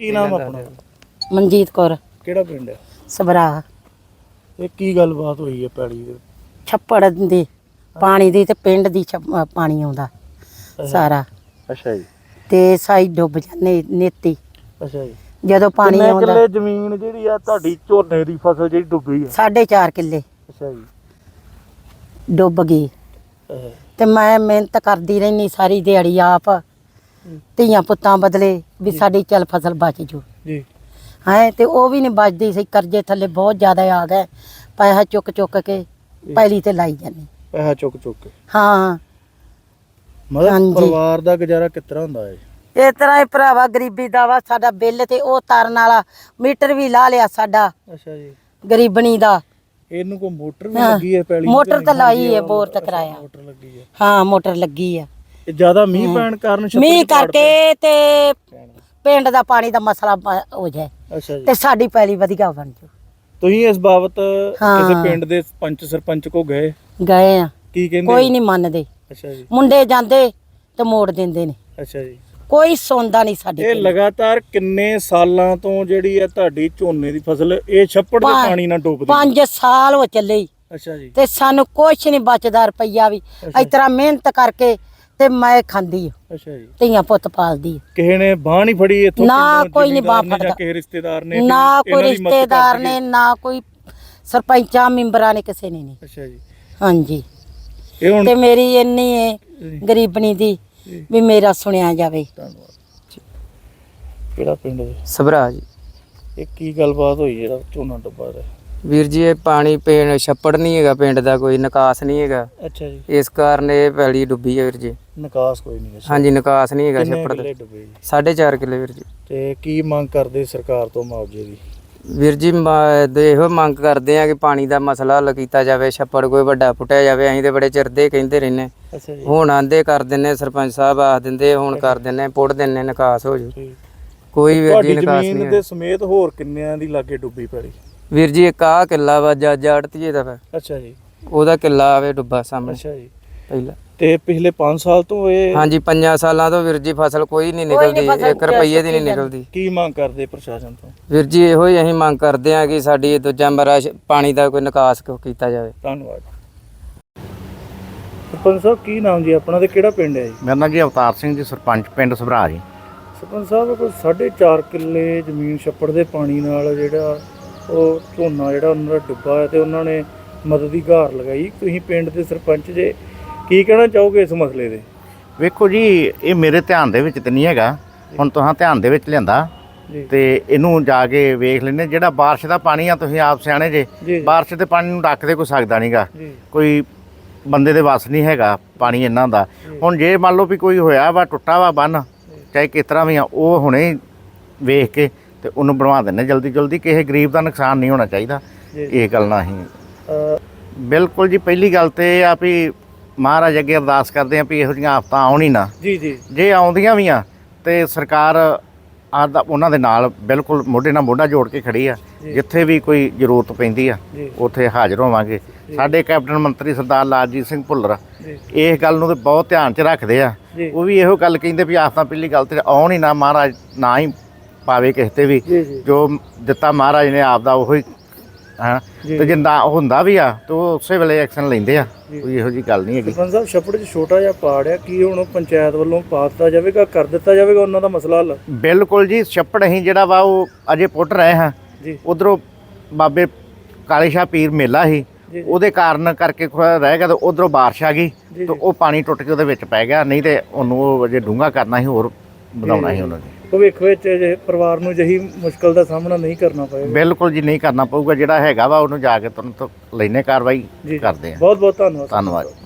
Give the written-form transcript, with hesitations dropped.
ਕੀ ਨਾਮ ਆਪਣਾ? ਮਨਜੀਤ ਕੌਰ। ਕਿਹੜਾ ਪਿੰਡ ਹੈ? ਸਭਰਾ। ਇਹ ਕੀ ਗੱਲਬਾਤ ਹੋਈ ਹੈ ਪੈਲੀ ਦੇ? ਛੱਪੜ ਦੀ ਪਾਣੀ ਦੀ ਤੇ ਪਿੰਡ ਦੀ ਪਾਣੀ ਆਉਂਦਾ ਸਾਰਾ। ਅੱਛਾ ਜੀ। ਤੇ ਸਾਈ ਡੁੱਬ ਜਾਂਦੇ ਨੇਤੀ ਅੱਛਾ ਜੀ। ਜਦੋਂ ਪਾਣੀ ਆਉਂਦਾ। ਕਿੰਨੇ ਜ਼ਮੀਨ ਜਿਹੜੀ ਆ ਤੁਹਾਡੀ ਝੋਨੇ ਦੀ ਫਸਲ ਜਿਹੜੀ ਡੁੱਬੀ ਆ? 4.5 ਕਿੱਲੇ ਅੱਛਾ ਜੀ। ਡੁੱਬ ਗਈ। ਤੇ ਮੈਂ ਮਿਹਨਤ ਕਰਦੀ ਰਹਿਨੀ ਸਾਰੀ ਦਿਹਾੜੀ ਆਪ ਧੀਆਂ ਪੁੱਤਾਂ ਬਦਲੇ ਵੀ ਸਾਡੀ ਚੱਲ ਫਸਲ ਬਚ ਜੂ ਜੀ। ਹੈ ਤੇ ਉਹ ਵੀ ਨਹੀਂ ਬਚਦੀ ਸੀ। ਕਰਜ਼ੇ ਥੱਲੇ ਬਹੁਤ ਜ਼ਿਆਦਾ ਆ ਗਏ। ਪੈਸਾ ਚੁੱਕ ਚੁੱਕ ਕੇ ਪੈਲੀ ਤੇ ਲਾਈ ਜਾਂਦੇ। ਪੈਸਾ ਚੁੱਕ ਚੁੱਕ ਕੇ? ਹਾਂ। ਮਤਲਬ ਪਰਿਵਾਰ ਦਾ ਗੁਜ਼ਾਰਾ ਕਿਸ ਤਰ੍ਹਾਂ ਹੁੰਦਾ ਹੈ? ਇਸ ਤਰ੍ਹਾਂ ਹੀ ਭਰਾਵਾ ਗਰੀਬੀ ਦਾ ਵਾ। ਸਾਡਾ ਬਿੱਲ ਤੇ ਉਹ ਤਾਰਨ ਵਾਲਾ ਮੀਟਰ ਵੀ ਲਾ ਲਿਆ ਸਾਡਾ। ਅੱਛਾ ਜੀ। ਗਰੀਬਣੀ ਦਾ। ਇਹਨੂੰ ਕੋਈ ਮੋਟਰ ਵੀ ਲੱਗੀ ਹੈ ਪੈਲੀ? ਮੋਟਰ ਤਾਂ ਲਾਈ ਹੈ, ਬੋਰ ਤਾਂ ਕਰਾਇਆ। ਮੋਟਰ ਲੱਗੀ ਹੈ? ਹਾਂ ਮੋਟਰ ਲੱਗੀ ਆ। ਇਹ ਜ਼ਿਆਦਾ ਮੀਂਹ ਪੈਣ ਕਾਰਨ? ਮੀਂਹ ਕਰਕੇ ਤੇ ਪਿੰਡ ਦਾ ਪਾਣੀ ਦਾ ਮਸਲਾ ਹੋ ਜਾਏ। ਅੱਛਾ ਜੀ। ਤੇ ਸਾਡੀ ਪੈਲੀ ਵਧੀਆ ਬਣ ਜੂ। ਤੁਸੀਂ ਇਸ ਬਾਬਤ ਕਿਸੇ ਪਿੰਡ ਦੇ ਸਰਪੰਚ ਕੋ ਗਏ ਆ? ਕੀ ਕਹਿੰਦੇ? ਕੋਈ ਨਹੀਂ ਮੰਨਦੇ। ਅੱਛਾ ਜੀ। ਮੁੰਡੇ ਜਾਂਦੇ ਤੇ ਮੋੜ ਦਿੰਦੇ ਨੇ। ਅੱਛਾ ਜੀ। ਕੋਈ ਸੁਣਦਾ ਨਹੀਂ ਸਾਡੀ। ਇਹ ਲਗਾਤਾਰ ਕਿੰਨੇ ਸਾਲਾਂ ਤੋਂ ਜਿਹੜੀ ਆ ਤੁਹਾਡੀ ਝੋਨੇ ਦੀ ਫਸਲ ਇਹ ਛੱਪੜ ਦੇ ਪਾਣੀ ਨਾਲ ਡੁੱਬਦੀ? 5 ਸਾਲ ਹੋ ਚੱਲੇ। ਅੱਛਾ ਜੀ। ਤੇ ਸਾਨੂੰ ਕੁਛ ਨਹੀਂ ਬਚਦਾ ਰੁਪਈਆ ਵੀ। ਇਸ ਤਰ੍ਹਾਂ ਮਿਹਨਤ ਕਰਕੇ ਤੇ ਮੈਂ ਖਾਂਦੀ ਹਾਂ। ਅੱਛਾ ਜੀ। ਧੀਆਂ ਪੁੱਤ ਪਾਲਦੀ। ਕਿਸੇ ਨੇ ਬਾਹ ਨਹੀਂ ਫੜੀ ਇੱਥੋਂ? ਨਾ ਕੋਈ ਨਹੀਂ ਬਾਹ ਫੜਦਾ। ਕਿਸੇ ਰਿਸ਼ਤੇਦਾਰ ਨੇ? ਨਾ ਕੋਈ ਰਿਸ਼ਤੇਦਾਰ ਨੇ, ਨਾ ਕੋਈ ਸਰਪੰਚਾਂ ਮੈਂਬਰਾਂ ਨੇ, ਕਿਸੇ ਨੇ ਨਹੀਂ। ਅੱਛਾ ਜੀ। ਹਾਂਜੀ। ਇਹ ਹੁਣ ਤੇ ਮੇਰੀ ਇੰਨੀ ਹੈ ਗਰੀਬਣੀ ਦੀ ਵੀ ਮੇਰਾ ਸੁਣਿਆ ਜਾਵੇ। ਧੰਨਵਾਦ। ਕਿਹੜਾ ਪਿੰਡ ਹੈ? ਸਭਰਾ ਜੀ। ਇਹ ਕੀ ਗੱਲਬਾਤ ਹੋਈ ਜਿਹੜਾ ਝੋਨਾ ਡੁੱਬਾ ਰਿਹਾ? ਵੀਰ ਜੀ ਇਹ ਪਾਣੀ ਪੀਣ ਛੱਪੜ ਨਹੀਂ ਹੈਗਾ ਪਿੰਡ ਦਾ, ਕੋਈ ਨਿਕਾਸ ਨਹੀਂ ਹੈਗਾ। ਅੱਛਾ ਜੀ। ਇਸ ਕਾਰਨ ਇਹ ਪੈਲੀ ਡੁੱਬੀ ਹੈ ਵੀਰ ਜੀ। ਨਿਕਾਸ ਕੋਈ ਨਹੀਂ? ਹਾਂਜੀ ਨਿਕਾਸ ਨਹੀਂ ਹੈਗਾ ਛੱਪੜ ਦਾ। 4.5 ਕਿੱਲੇ ਵੀਰ ਜੀ। ਤੇ ਕੀ ਮੰਗ ਕਰਦੇ ਸਰਕਾਰ ਤੋਂ ਮੁਆਵਜ਼ੇ ਦੀ? ਵੀਰ ਜੀ ਇਹੋ ਮੰਗ ਕਰਦੇ ਆ ਕਿ ਪਾਣੀ ਦਾ ਮਸਲਾ ਹੱਲ ਕੀਤਾ ਜਾਵੇ, ਛੱਪੜ ਕੋਈ ਵੱਡਾ ਪੁੱਟਿਆ ਜਾਵੇ। ਅਸੀਂ ਤੇ ਬੜੇ ਚਿਰ ਦੇ ਕਹਿੰਦੇ ਰਹਿੰਦੇ। ਅੱਛਾ ਜੀ। ਹੁਣ ਆਂਦੇ ਕਰ ਦਿੰਦੇ, ਸਰਪੰਚ ਸਾਹਿਬ ਆਖ ਦਿੰਦੇ ਹੁਣ ਕਰ ਦਿੰਦੇ, ਪੁੱਟ ਦਿੰਦੇ, ਨਿਕਾਸ ਹੋ ਜੂ। ਕੋਈ ਵੀਰ ਜੀ ਨਿਕਾਸ ਨਹੀਂ। ਜ਼ਮੀਨ ਦੇ ਸਮੇਤ ਹੋਰ ਕਿੰਨਿਆਂ ਦੀ ਲਾਗੇ ਡੁੱਬੀ ਪੈਲੀ? ਵੀਰ ਜੀ ਇੱਕ ਆਹ ਕਿੱਲਾ ਵਾ ਜਾੜਤੀਏ ਦਾ। ਅੱਛਾ ਜੀ। ਉਹਦਾ ਕਿੱਲਾ ਆਵੇ ਡੁੱਬਾ ਸਾਹਮਣੇ। ਅੱਛਾ ਜੀ। ਪਹਿਲਾਂ ਤੇ ਪਿਛਲੇ 5 ਸਾਲ ਤੋਂ ਇਹ? ਹਾਂਜੀ 5 ਸਾਲਾਂ ਤੋਂ ਵੀਰ ਜੀ ਫਸਲ ਕੋਈ ਨਹੀਂ ਨਿਕਲਦੀ, 1 ਰੁਪਈਏ ਦੀ ਨਹੀਂ ਨਿਕਲਦੀ। ਕੀ ਮੰਗ ਕਰਦੇ ਪ੍ਰਸ਼ਾਸਨ ਤੋਂ? ਵੀਰ ਜੀ ਇਹੋ ਹੀ ਅਸੀਂ ਮੰਗ ਕਰਦੇ ਹਾਂ ਕਿ ਸਾਡੀ ਦੂਜਾ ਮਰਾ ਪਾਣੀ ਦਾ ਕੋਈ ਨਿਕਾਸ ਕੀਤਾ ਜਾਵੇ। ਧੰਨਵਾਦ। ਸਰਪੰਚ ਸਾਹਿਬ ਕੀ ਨਾਮ ਜੀ ਆਪਣਾ ਤੇ ਕਿਹੜਾ ਪਿੰਡ ਹੈ ਜੀ? ਮੇਰਾ ਨਾਮ ਜੀ ਅਵਤਾਰ ਸਿੰਘ ਜੀ, ਸਰਪੰਚ ਪਿੰਡ ਸਭਰਾ ਜੀ। ਸਰਪੰਚ ਸਾਹਿਬ ਕੋਈ 4.5 ਕਿੱਲੇ ਜ਼ਮੀਨ ਛੱਪੜ ਦੇ ਪਾਣੀ ਨਾਲ ਜਿਹੜਾ ਉਹ ਝੋਨਾ ਜਿਹੜਾ ਉਹਨਾਂ ਦਾ ਡੁੱਬਾ ਹੈ ਤੇ ਉਹਨਾਂ ਨੇ ਮਦਦ ਦੀ ਗੁਹਾਰ ਲਗਾਈ। ਤੁਸੀਂ ਪਿੰਡ ਦੇ ਸਰਪੰਚ ਜੇ, ਕੀ ਕਹਿਣਾ ਚਾਹੋਗੇ ਇਸ ਮਸਲੇ ਦੇ? ਵੇਖੋ ਜੀ ਇਹ ਮੇਰੇ ਧਿਆਨ ਦੇ ਵਿੱਚ ਤੇ ਨਹੀਂ ਹੈਗਾ, ਹੁਣ ਤੁਸੀਂ ਧਿਆਨ ਦੇ ਵਿੱਚ ਲਿਆਂਦਾ ਤੇ ਇਹਨੂੰ ਜਾ ਕੇ ਵੇਖ ਲੈਂਦੇ। ਜਿਹੜਾ ਬਾਰਿਸ਼ ਦਾ ਪਾਣੀ ਆ, ਤੁਸੀਂ ਆਪ ਸਿਆਣੇ ਜੇ, ਬਾਰਿਸ਼ ਦੇ ਪਾਣੀ ਨੂੰ ਡੱਕ ਦੇ ਕੋਈ ਸਕਦਾ ਨਹੀਂਗਾ, ਕੋਈ ਬੰਦੇ ਦੇ ਵੱਸ ਨਹੀਂ ਹੈਗਾ ਪਾਣੀ ਇਹਨਾਂ ਦਾ। ਹੁਣ ਜੇ ਮੰਨ ਲਓ ਵੀ ਕੋਈ ਹੋਇਆ ਵਾ, ਟੁੱਟਾ ਵਾ ਬੰਨ, ਚਾਹੇ ਕਿਸ ਤਰ੍ਹਾਂ ਵੀ ਆ, ਉਹ ਹੁਣੇ ਵੇਖ ਕੇ ਤੇ ਉਹਨੂੰ ਬਣਵਾ ਦਿੰਦੇ ਜਲਦੀ ਜਲਦੀ। ਕਿਸੇ ਗਰੀਬ ਦਾ ਨੁਕਸਾਨ ਨਹੀਂ ਹੋਣਾ ਚਾਹੀਦਾ। ਇਹ ਗੱਲ ਨਾ ਅਸੀਂ ਬਿਲਕੁਲ ਜੀ। ਪਹਿਲੀ ਗੱਲ ਤੇ ਇਹ ਆ ਵੀ ਮਹਾਰਾਜ ਅੱਗੇ ਅਰਦਾਸ ਕਰਦੇ ਆ ਵੀ ਇਹੋ ਜਿਹੀਆਂ ਆਫਤਾਂ ਆਉਣ ਹੀ ਨਾ। ਜੇ ਆਉਂਦੀਆਂ ਵੀ ਆ ਤੇ ਸਰਕਾਰ ਉਹਨਾਂ ਦੇ ਨਾਲ ਬਿਲਕੁਲ ਮੋਢੇ ਨਾਲ ਮੋਢਾ ਜੋੜ ਕੇ ਖੜੀ ਆ। ਜਿੱਥੇ ਵੀ ਕੋਈ ਜ਼ਰੂਰਤ ਪੈਂਦੀ ਆ ਉੱਥੇ ਹਾਜ਼ਰ ਹੋਵਾਂਗੇ। ਸਾਡੇ ਕੈਪਟਨ ਮੰਤਰੀ ਸਰਦਾਰ ਲਾਲਜੀਤ ਸਿੰਘ ਭੁੱਲਰ ਇਸ ਗੱਲ ਨੂੰ ਤੇ ਬਹੁਤ ਧਿਆਨ 'ਚ ਰੱਖਦੇ ਆ। ਉਹ ਵੀ ਇਹੋ ਗੱਲ ਕਹਿੰਦੇ ਵੀ ਆਫਤਾਂ ਪਹਿਲੀ ਗੱਲ ਤੇ ਆਉਣ ਹੀ ਨਾ, ਮਹਾਰਾਜ ਨਾ ਹੀ ਪਾਵੇ ਕਿਸੇ ਤੇ ਵੀ। ਜੋ ਦਿੱਤਾ ਮਹਾਰਾਜ ਨੇ ਆਪ ਦਾ ਉਹੀ ਹਾਂ, ਤੇ ਜੇ ਨਾ ਹੁੰਦਾ ਵੀ ਆ ਤਾਂ ਉਹ ਉਸੇ ਵੇਲੇ ਐਕਸ਼ਨ ਲੈਂਦੇ ਆ। ਕੋਈ ਇਹੋ ਜਿਹੀ ਗੱਲ ਨਹੀਂ ਹੈਗੀ। ਸਰਪੰਚ ਸਾਹਿਬ ਛੱਪੜ 'ਚ ਛੋਟਾ ਜਿਹਾ ਪਾੜ ਆ, ਕੀ ਹੁਣ ਪੰਚਾਇਤ ਵੱਲੋਂ ਪਾ ਦਿੱਤਾ ਜਾਵੇਗਾ, ਕਰ ਦਿੱਤਾ ਜਾਵੇਗਾ ਉਹਨਾਂ ਦਾ ਮਸਲਾ ਹੱਲ? ਬਿਲਕੁਲ ਜੀ। ਛੱਪੜ ਅਸੀਂ ਜਿਹੜਾ ਵਾ ਉਹ ਅਜੇ ਪੁੱਟ ਰਹੇ ਹਾਂ। ਉਧਰੋਂ ਬਾਬੇ ਕਾਲੇ ਸ਼ਾਹ ਪੀਰ ਮੇਲਾ ਸੀ, ਉਹਦੇ ਕਾਰਨ ਕਰਕੇ ਰਹਿ ਗਿਆ, ਤੇ ਉਧਰੋਂ ਬਾਰਿਸ਼ ਆ ਗਈ ਤੇ ਉਹ ਪਾਣੀ ਟੁੱਟ ਕੇ ਉਹਦੇ ਵਿੱਚ ਪੈ ਗਿਆ। ਨਹੀਂ ਤੇ ਉਹਨੂੰ ਉਹ ਅਜੇ ਡੂੰਘਾ ਕਰਨਾ ਸੀ, ਹੋਰ ਵਧਾਉਣਾ ਸੀ ਉਹਨਾਂ ਨੇ। ਭਵਿੱਖ ਵਿੱਚ ਪਰਿਵਾਰ ਨੂੰ ਅਜਿਹੀ ਮੁਸ਼ਕਲ ਦਾ ਸਾਹਮਣਾ ਨਹੀਂ ਕਰਨਾ ਪਏਗਾ? ਬਿਲਕੁਲ ਜੀ ਨਹੀਂ ਕਰਨਾ ਪਊਗਾ। ਜਿਹੜਾ ਹੈਗਾ ਵਾ ਉਹਨੂੰ ਜਾ ਕੇ ਤੁਰੰਤ ਲੈਣੇ ਕਾਰਵਾਈ ਕਰਦੇ ਆ। ਬਹੁਤ ਬਹੁਤ ਧੰਨਵਾਦ। ਧੰਨਵਾਦ।